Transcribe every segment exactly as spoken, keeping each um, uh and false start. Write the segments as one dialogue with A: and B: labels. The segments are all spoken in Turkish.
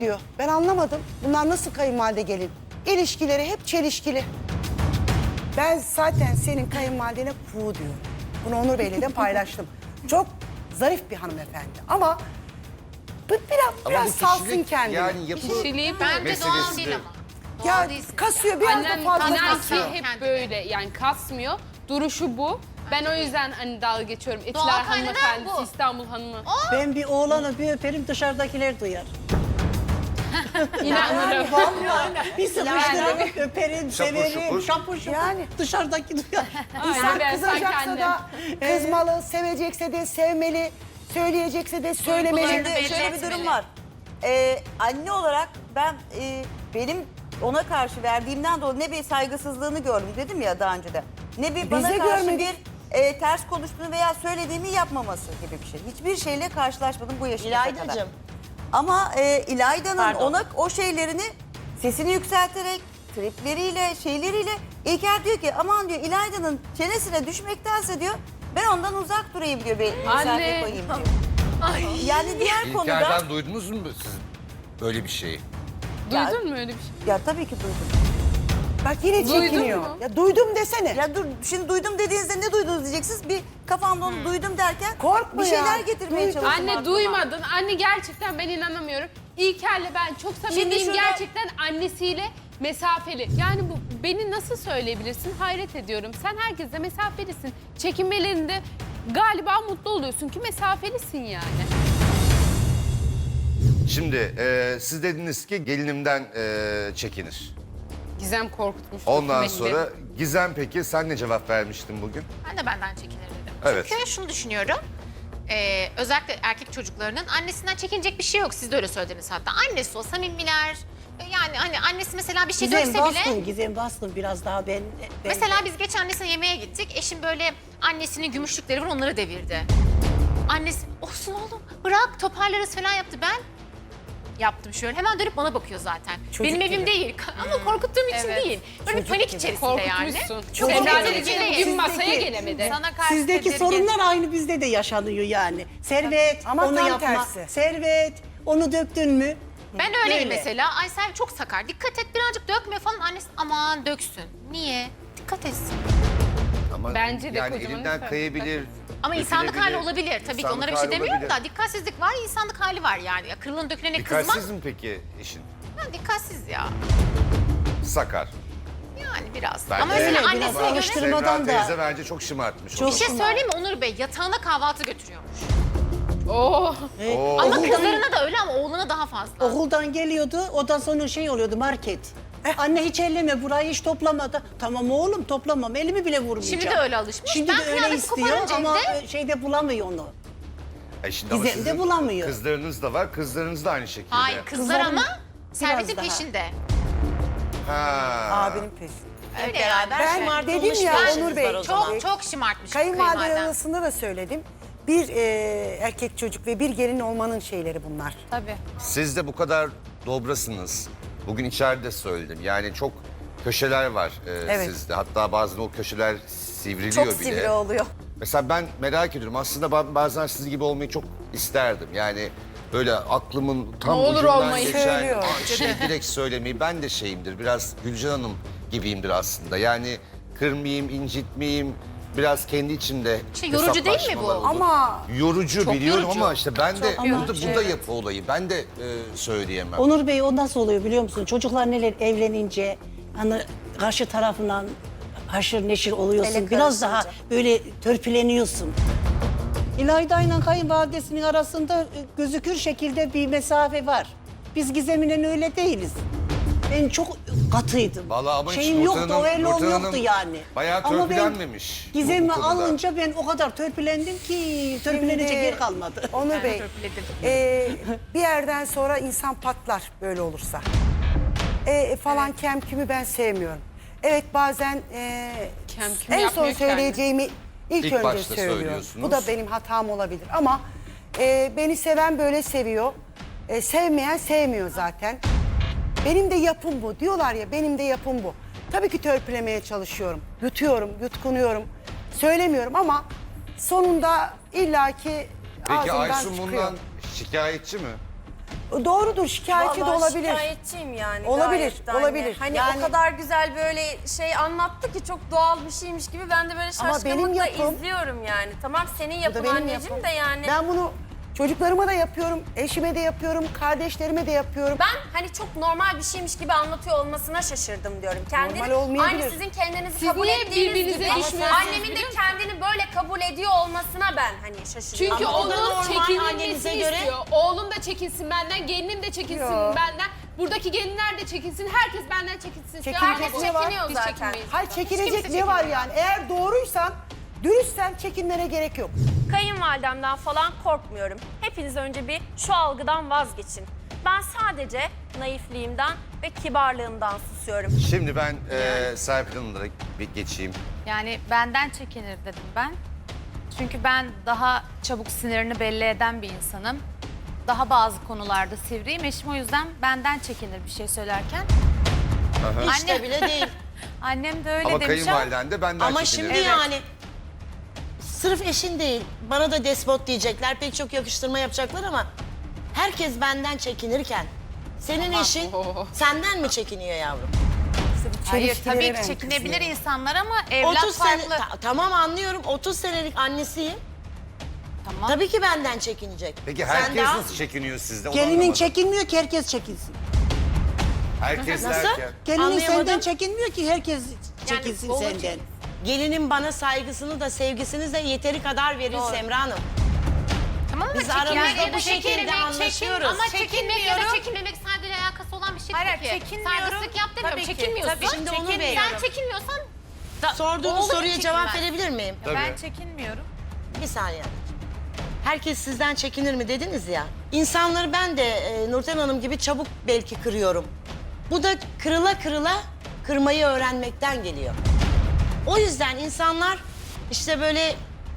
A: diyor. Ben anlamadım. Bunlar nasıl kayınvalide gelin? İlişkileri hep çelişkili. Ben zaten senin kayınvalidene kuğu diyorum. Bunu Onur Bey'le de paylaştım. Çok zarif bir hanımefendi ama bu biraz,
B: Ama
A: biraz
B: bu
A: salsın
B: kişilik,
A: kendini.
B: yani yapı
C: Kişiliği
D: Bence
B: meselesi
D: doğal değil
B: de.
D: ama.
A: Ya
D: Doğal değilsin.
A: kasıyor, biraz
C: Annem
A: da fazla
C: inan
A: kasıyor.
C: ki hep böyle yani kasmıyor. Duruşu bu. Ben o yüzden hani dalga geçiyorum. Etiler
D: Doğal kaynağı
C: hanımefendisi,
D: bu.
C: İstanbul hanımı.
E: Ben bir oğlanı bir öperim dışarıdakiler duyar.
C: İnanırım.
E: Vallahi bir sıkıştırırım, öperim,
B: Şapur
E: severim,
B: şupur.
E: şapur şupur.
A: Yani.
E: Dışarıdaki duyar.
A: İnsan
C: ben sanki
A: kızacaksa
C: annem.
A: da kızmalı, sevecekse de sevmeli, söyleyecekse de söylemeli.
D: Duygularını
F: Şimdi
D: belli
F: şöyle bir
D: etmeli.
F: durum var. Ee, anne olarak ben e, benim ona karşı verdiğimden dolayı ne bir saygısızlığını gördüm dedim ya daha önce de. Ne bir bana
A: de
F: karşı
A: görmedik.
F: bir e, ters konuştuğunu veya söylediğimi yapmaması gibi bir şey. Hiçbir şeyle karşılaşmadım bu yaşıma kadar.
G: İlaydacığım.
F: Ama e, İlayda'nın
G: Pardon.
F: ona o şeylerini sesini yükselterek, tripleriyle, şeyleriyle İlker diyor ki aman diyor İlayda'nın çenesine düşmektense diyor ben ondan uzak durayım diyor, bir mesafe
C: Anne.
F: koyayım diyor. Yani diğer konuda...
B: İlker'den duydunuz mu siz böyle bir şeyi?
C: Duydun mu öyle bir şey?
F: Ya tabii ki duydum.
A: Bak yine
C: Duydun
A: çekiniyor.
C: mu?
A: Ya duydum desene.
F: Ya dur şimdi duydum dediğinizde ne duydunuz diyeceksiniz. Bir kafamda onu duydum derken
A: Korkma
F: bir şeyler
A: ya.
F: getirmeye
A: Duy-
F: çalıştım.
C: Anne
F: aklıma.
C: duymadın. Anne gerçekten ben inanamıyorum. İlker'le ben çok samimiyim.
F: şurada-
C: Gerçekten annesiyle mesafeli. Yani bu beni nasıl söyleyebilirsin? Hayret ediyorum. Sen herkesle mesafelisin. Çekinmelerinde galiba mutlu oluyorsun ki mesafelisin yani.
B: Şimdi e, siz dediniz ki gelinimden e, çekinir.
C: Gizem korkutmuş.
B: Ondan
C: hükümeti.
B: sonra Gizem peki sen ne cevap vermiştin bugün?
D: Ben de benden çekinir dedim.
B: Evet.
D: Çünkü şunu düşünüyorum. Ee, özellikle erkek çocuklarının annesinden çekinecek bir şey yok. Siz de öyle söylediniz hatta. Annesi o samimiler. Yani hani annesi mesela bir şey
E: Gizem
D: dökse
E: bastın,
D: bile.
E: Gizem bastın biraz daha ben... ben
D: Mesela biz geçen annesine yemeğe gittik. Eşim böyle annesinin gümüşlükleri var onları devirdi. Annesi olsun oğlum bırak toparlarız falan yaptı. Ben yaptım şöyle. Hemen dönüp bana bakıyor zaten.
A: Çocuk
D: Benim evim
A: gibi.
D: değil ama korkuttuğum için
C: Evet.
D: değil. Böyle bir
A: Çocuk
D: panik
A: gibi.
D: içerisinde yani.
C: Korkutmuşsun.
A: Çok
C: Semra
A: korkunç.
C: dedi ki
D: Sizdeki-
C: gün masaya gelemedi.
D: Sana karşı
E: Sizdeki
D: tedirgin.
E: sorunlar aynı bizde de yaşanıyor yani. Servet,
A: Ama
E: onu
A: tam
E: yapma.
A: tersi.
E: Servet, onu döktün mü?
D: Ben öyleyim
E: Böyle.
D: mesela. Ay sen çok sakar. Dikkat et birazcık dökme falan. Annesi aman döksün. Niye? Dikkat etsin.
B: Ama
C: Bence de
B: yani
C: kocaman
B: elinden
C: insan.
B: kayabilir.
D: Ama insanlık
B: dökülebilir.
D: hali olabilir. Tabii ki
B: İnsanlık
D: onlara bir şey
B: hali
D: demiyorum
B: olabilir.
D: da dikkatsizlik var, insanlık hali var yani. Ya kırılan dökülene kızmak.
B: Dikkatsiz mi peki eşin?
D: Ha, dikkatsiz ya.
B: Sakar.
D: Yani biraz.
B: Ben
D: Ama
B: de-
D: mesela
E: Öyle, biraz
D: annesine göre
E: alıştırmadan
B: Semra
E: da-
B: teyze bence çok şımartmış.
E: Çok
D: bir şey söyleyeyim mi Onur Bey? Yatağına kahvaltı götürüyormuş.
C: Oh.
B: Oo.
D: Ama
E: Oğlundan-
D: kızlarına da öyle ama oğluna daha fazla.
E: Okuldan geliyordu, ondan sonra şey oluyordu market. Anne hiç elleme burayı hiç toplamadı. Tamam oğlum toplamam, elimi bile vurmayacağım.
D: Şimdi de öyle alışmış.
E: Şimdi
D: Ben
E: de öyle
D: kıyafeti
E: istiyor
D: koparınca
E: ama
D: evde-
E: şeyde bulamıyor onu.
B: E şimdi ama
E: Gizem de
B: sizin
E: bulamıyor.
B: Kızlarınız da var, kızlarınız da aynı şekilde.
D: Hayır kızlar
E: Kızların
D: ama
E: biraz
D: servetin
E: daha.
D: peşinde.
B: Ha.
A: Abinin peşinde.
D: Öyle yani.
A: Ben
G: şımartılmış
A: dedim ya
G: versiniz
A: Onur Bey,
G: var o zaman.
D: Çok çok şımartmış
A: kayınvalideler
D: kayınvaliden.
A: arasında da söyledim. Bir e, erkek çocuk ve bir gelin olmanın şeyleri bunlar.
C: Tabii.
B: Siz de bu kadar dobrasınız. Bugün içeride söyledim. Yani çok köşeler var e,
A: Evet.
B: sizde. Hatta bazen o köşeler sivriliyor
F: Çok
B: bile.
F: sivri oluyor.
B: Mesela ben merak ediyorum. Aslında ba- bazen siz gibi olmayı çok isterdim. Yani böyle aklımın tam
C: Ne olur
B: ucundan
C: olmayı.
B: geçen
A: Söylüyor.
B: "Aa, şey direkt söylemeyi. Ben de şeyimdir. Biraz Gülcan Hanım gibiyimdir aslında. Yani kırmayayım, incitmeyeyim. Biraz kendi içimde
D: İşte yorucu değil mi bu?
B: hesaplaşmalar olur.
A: Ama
B: Yorucu
D: Çok
B: biliyorum
D: yorucu.
B: ama işte ben de
E: Çok
B: burada,
E: yorucu,
B: burada yapı olayı. Ben de e, söyleyemem.
E: Onur Bey o nasıl oluyor biliyor musun? Çocuklar neler evlenince hani karşı tarafından haşır neşir oluyorsun.
F: Ele
E: Biraz daha
F: karışınca.
E: böyle törpüleniyorsun. İlayda ile kayınvalidesinin arasında e, gözükür şekilde bir mesafe var. Biz Gizem'le öyle değiliz. Ben çok katıydım.
B: Vallahi ama hiç
E: Şeyim
B: Nurten
E: yoktu,
B: Hanım-
E: öyle
B: Nurten
E: yoktu
B: Hanım
E: yani.
B: bayağı
E: Ama ben
B: törpülenmemiş bu-
E: Gizem'i
B: bu konuda.
E: alınca ben o kadar törpülendim ki törpülenecek
A: Şimdi
E: yer kalmadı.
A: Onur Bey,
D: törpüledim.
A: e, bir yerden sonra insan patlar böyle olursa. E, falan kem kümü ben sevmiyorum. Evet bazen e,
C: Kem küm
A: en son
C: yapmıyor ki
A: söyleyeceğimi ilk,
B: İlk
A: önce
B: başta
A: söylüyorum.
B: söylüyorsunuz.
A: Bu da benim hatam olabilir ama e, beni seven böyle seviyor. E, sevmeyen sevmiyor zaten. Benim de yapım bu. Diyorlar ya benim de yapım bu. Tabii ki törpülemeye çalışıyorum. Yutuyorum, yutkunuyorum. Söylemiyorum ama sonunda illaki
B: Peki
A: ağzımdan
B: Aysun
A: çıkıyor.
B: bundan şikayetçi mi?
A: Doğrudur, şikayetçi de
G: Vallahi
A: olabilir.
G: şikayetçiyim yani.
A: Olabilir,
G: gayet de anne.
A: olabilir.
G: Hani
A: Yani-
G: o kadar güzel böyle şey anlattı ki çok doğal bir şeymiş gibi ben de böyle
A: Ama benim
G: şaşkınlıkla
A: yapım-
G: izliyorum yani. Tamam senin
A: Bu
G: yapın
A: da benim
G: anneciğim
A: yapım.
G: de yani.
A: Ben bunu çocuklarıma da yapıyorum, eşime de yapıyorum, kardeşlerime de yapıyorum.
G: Ben hani çok normal bir şeymiş gibi anlatıyor olmasına şaşırdım diyorum. Kendini,
A: Normal olmayabilir.
G: aynı sizin kendinizi
C: Siz
G: kabul
C: niye
G: ettiğiniz
C: birbirinize
G: gibi
C: düşmüyorsunuz
G: annemin de
C: biliyor musun?
G: kendini böyle kabul ediyor olmasına ben hani şaşırıyorum.
C: Çünkü
E: Ama o da
C: onun
E: normal
C: çekilmesini
E: annenize göre.
C: istiyor. Oğlum da çekilsin benden, gelinim de çekilsin
A: Yo.
C: benden. Buradaki gelinler de çekilsin, herkes benden çekilsin istiyor.
A: Çekilecek
C: Herkes
A: ne var?
C: çekiniyor
G: Biz
C: zaten.
G: çekinmeyiz.
A: Hayır,
C: Hiç
A: çekilecek
C: kimse
A: ne var
C: çekinmiyor.
A: yani? Eğer doğruysan, dürüstsen çekinmene gerek yok.
G: Kayınvalidemden falan korkmuyorum. Hepiniz önce bir şu algıdan vazgeçin. Ben sadece naifliğimden ve kibarlığımdan susuyorum.
B: Şimdi ben e, Serpil Hanım'la bir geçeyim.
H: Yani benden çekinir dedim ben. Çünkü ben daha çabuk sinirini belli eden bir insanım. Daha bazı konularda sivriyim. Eşim o yüzden benden çekinir bir şey söylerken.
I: Hiç de
H: Anne-
I: bile değil.
H: Annem de öyle
B: Ama
H: demiş ama
B: kayınvaliden de benden
I: Ama
B: çekinir.
I: şimdi yani sırf eşin değil, bana da despot diyecekler, pek çok yakıştırma yapacaklar ama herkes benden çekinirken senin eşin senden mi çekiniyor yavrum?
H: hayır
A: Çelişkilere
H: tabii
A: ben
H: ki çekinebilir
A: kızıyorum.
H: insanlar ama evlat
I: otuz sene,
H: farklı.
I: Ta- tamam anlıyorum, otuz senelik annesiyim.
H: Tamam.
I: Tabii ki benden çekinecek.
B: Peki
I: Sen
B: herkes
I: daha-
B: nasıl çekiniyor sizde? Onu
E: Gelinin
B: anlamadım.
E: çekinmiyor ki herkes çekinsin.
B: Herkes
I: Nasıl?
B: derken.
E: Gelinin
I: Anlayamadım.
E: senden çekinmiyor ki herkes çekinsin
G: olur
E: senden.
G: ki.
I: Gelinin bana saygısını da sevgisini de yeteri kadar verir Semra Hanım.
D: Tamam mı?
I: Biz aramızda
D: Yani
I: bu şekilde
D: çekinmemek,
I: anlaşıyoruz.
D: Ama çekinmek ya da
H: Çekinmiyorum.
D: çekinmemek sadece alakası olan bir şey
H: Hayır,
D: değil ki.
H: çekinmiyorum.
D: Saygısızlık yap demiyorum.
H: Tabii ki,
D: Çekinmiyorsun.
H: tabii.
I: Şimdi onu
H: Çekinmiyorum.
D: Sen çekinmiyorsan
I: Sorduğunuz
D: Oğlum
I: soruya cevap
D: çekinmez.
I: verebilir miyim?
H: Ben
B: Tabii.
H: çekinmiyorum.
I: Bir saniye. Herkes sizden çekinir mi dediniz ya. İnsanları ben de e, Nurten Hanım gibi çabuk belki kırıyorum. Bu da kırıla kırıla kırmayı öğrenmekten geliyor. O yüzden insanlar işte böyle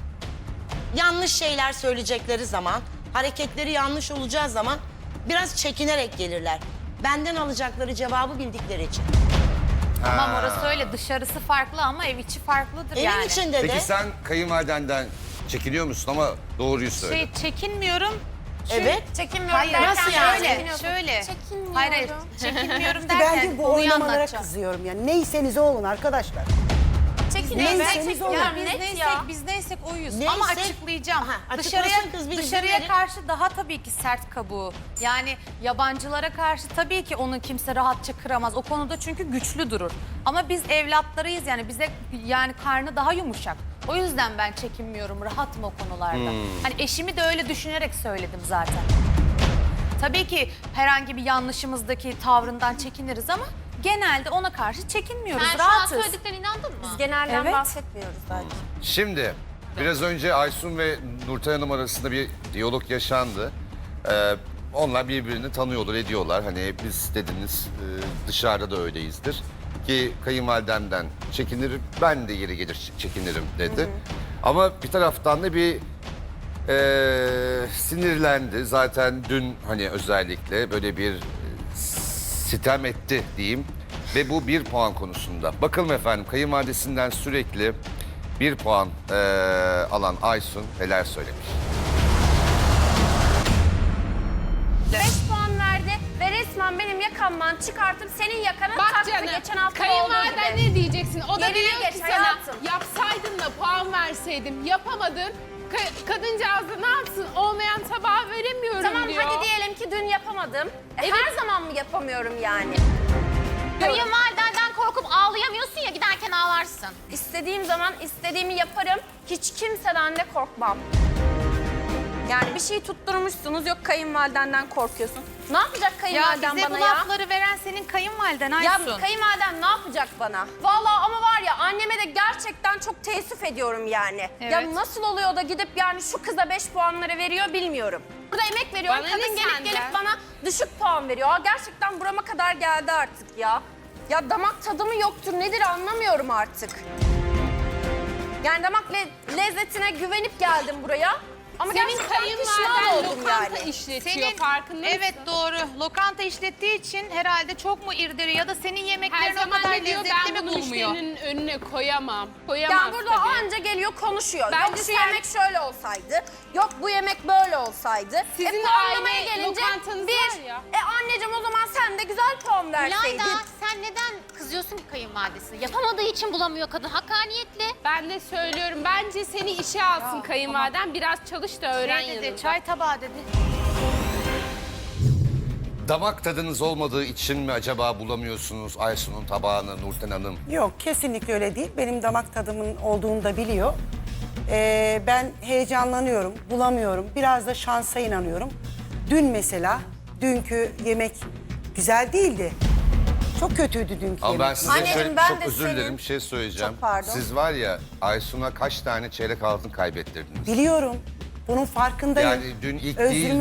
I: yanlış şeyler söyleyecekleri zaman, hareketleri yanlış olacağı zaman biraz çekinerek gelirler. Benden alacakları cevabı bildikleri için.
H: Tamam orası öyle dışarısı farklı ama ev içi farklıdır
I: Evin
H: yani.
I: içinde de
B: Peki sen kayınvalidenden çekiniyor musun ama doğruyu söyle.
H: Şey çekinmiyorum.
I: evet.
D: çekinmiyorum
H: Hayır
D: derken
H: nasıl
D: şöyle
H: yani?
D: çekiniyorsun.
H: Şöyle.
D: Çekinmiyorum.
H: Hayır hayır çekinmiyorum derken
A: Ben de bu
H: konuyu
A: oynamalara
H: anlatacağım.
A: kızıyorum yani. Neyseniz olun arkadaşlar.
G: Çekiniyorum.
A: Neyseniz olun.
H: Ya biz
G: Net
H: neysek
G: ya.
H: biz neysek oyuz
I: Neyse.
H: ama açıklayacağım.
I: Aha, açıklasın
H: dışarıya
I: kız, bir izin
H: dışarıya
I: verin.
H: karşı daha tabii ki sert kabuğu. Yani yabancılara karşı tabii ki onu kimse rahatça kıramaz. O konuda çünkü güçlü durur. Ama biz evlatlarıyız yani bize yani karnı daha yumuşak. O yüzden ben çekinmiyorum, rahatım o konularda. Hani eşimi de öyle düşünerek söyledim zaten. Tabii ki herhangi bir yanlışımızdaki tavrından çekiniriz ama genelde ona karşı çekinmiyoruz,
D: Sen şu an
H: rahatız.
D: söylediklerine inandın mı?
G: Genelden
H: Evet.
G: bahsetmiyoruz zaten.
B: Şimdi biraz önce Aysun ve Nurten Hanım arasında bir diyalog yaşandı. Ee, onlar birbirini tanıyorlar, ediyorlar. Hani biz dediniz e, dışarıda da öyleyizdir. Ki kayınvalidemden çekinirim, ben de yeri gelir çekinirim dedi. Ama bir taraftan da bir e, sinirlendi. Zaten dün hani özellikle böyle bir e, sitem etti diyeyim. Ve bu bir puan konusunda. Bakalım efendim kayınvalidesinden sürekli bir puan eee, alan Aysun neler söylemiş.
G: beş puan verdi ve resmen benim yakamdan çıkartıp senin yakana
C: Bak
G: taktı
C: canım,
G: geçen hafta olduğu
C: kayınvaliden
G: gibi.
C: ne diyeceksin? O da
G: Yerine
C: diyor
G: geç
C: ki sana
G: hayatım.
C: yapsaydın da puan verseydim, yapamadın. Ka- kadıncağız da ne yapsın? Olmayan tabağı veremiyorum
G: Tamam
C: diyor.
G: hadi diyelim ki dün yapamadım. E, Her zaman mı yapamıyorum yani?
D: Kayınvalidenden korkup ağlayamıyorsun ya giderken ağlarsın.
G: İstediğim zaman istediğimi yaparım. Hiç kimseden de korkmam. Yani bir şey tutturmuşsunuz yok kayınvalidenden korkuyorsun. Ne yapacak
H: Ya
G: kayınvaliden
H: bize
G: bana
H: bu
G: ya?
H: lafları veren senin kayınvaliden
G: Ya
H: Aysun.
G: kayınvaliden ne yapacak bana? Vallahi ama var ya anneme de gerçekten çok teessüf ediyorum yani.
H: Evet.
G: Ya nasıl oluyor da gidip yani şu kıza beş puanları veriyor bilmiyorum. Burada emek veriyorum.
C: Bana
G: Kadın
C: ne
G: gelip
C: senden?
G: gelip bana düşük puan veriyor. Aa, gerçekten burama kadar geldi artık ya. Ya damak tadı mı yoktur nedir anlamıyorum artık. Yani damak le- lezzetine güvenip geldim buraya. Ama
C: Senin
G: gerçekten pişman
C: kayınvaliden
G: oldum
C: lokanta
G: yani.
C: işletiyor farkında mısın?
H: Evet doğru. Lokanta işlettiği için herhalde çok mu irdiri ya da senin
C: Her
H: yemeklerini o
C: zaman
H: kadar
C: ne diyor
H: lezzetli
C: ben
H: mi
C: bunu
H: bulmuyor?
C: müşterinin önüne koyamam. Koyamaz
G: Yani burada
C: tabii.
G: anca geliyor konuşuyor.
C: Bence
G: Yok şu
C: sen-
G: yemek şöyle olsaydı. Yok bu yemek böyle olsaydı.
C: Sizin
G: e, puanlamaya
C: aile
G: gelince
C: lokantanız
G: bir.
C: var ya.
G: E anneciğim o zaman sen de güzel puan verseydin.
D: İlayda sen neden kızıyorsun ki kayınvalidesine? Yapamadığı için bulamıyor kadın. Hakkaniyetli.
C: Ben de söylüyorum. Bence seni işe alsın kayınvaliden. Biraz çalış da öğren
H: Şey dedi,
C: yanında.
H: çay tabağı dedi.
B: Damak tadınız olmadığı için mi acaba bulamıyorsunuz Aysun'un tabağını Nurten Hanım?
A: Yok kesinlikle öyle değil. Benim damak tadımın olduğunu da biliyor. Ee, ben heyecanlanıyorum, bulamıyorum. Biraz da şansa inanıyorum. Dün mesela, dünkü yemek güzel değildi. Çok kötüydü dünkü
B: Ama ben
A: yemek.
B: size
F: Anneciğim,
B: şöyle
F: ben
B: çok
F: de
B: özür
F: senin-
B: dilerim bir şey söyleyeceğim.
F: Çok pardon.
B: Siz var ya Aysun'a kaç tane çeyrek altın kaybettirdiniz?
A: Biliyorum. Bunun farkındayım.
B: Yani dün ilk
A: Özrümü
B: değildi.